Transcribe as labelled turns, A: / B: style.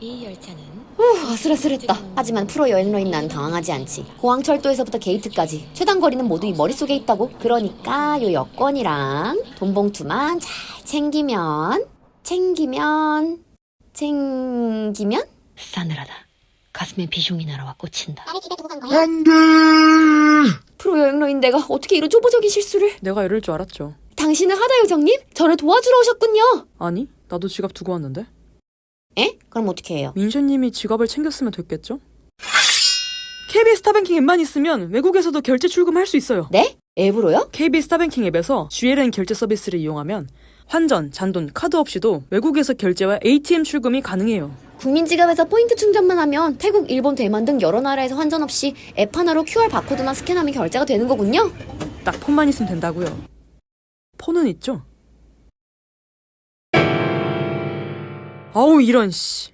A: 이 열차는
B: 아슬아슬했다. 하지만 프로 여행러인 난 당황하지 않지. 공항철도에서부터 게이트까지 최단 거리는 모두 이 머릿속에 있다고. 그러니까 요 여권이랑 돈봉투만 잘 챙기면
A: 싸늘하다. 가슴에 비숑이 날아와 꽂힌다.
C: 나를 집에 두고 간 거야?
B: 프로 여행러인 내가 어떻게 이런 초보적인 실수를.
D: 내가 이럴 줄 알았죠.
B: 당신은 하다 요정님? 저를 도와주러 오셨군요.
D: 아니, 나도 지갑 두고 왔는데.
B: 에? 그럼 어떻게 해요?
D: 민셰님이 지갑을 챙겼으면 됐겠죠? KB 스타뱅킹 앱만 있으면 외국에서도 결제 출금할 수 있어요.
B: 네? 앱으로요?
D: KB 스타뱅킹 앱에서 GLN 결제 서비스를 이용하면 환전, 잔돈, 카드 없이도 외국에서 결제와 ATM 출금이 가능해요.
B: 국민지갑에서 포인트 충전만 하면 태국, 일본, 대만 등 여러 나라에서 환전 없이 앱 하나로 QR 바코드만 스캔하면 결제가 되는 거군요.
D: 딱 폰만 있으면 된다고요. 폰은 있죠? 아우 이런 씨.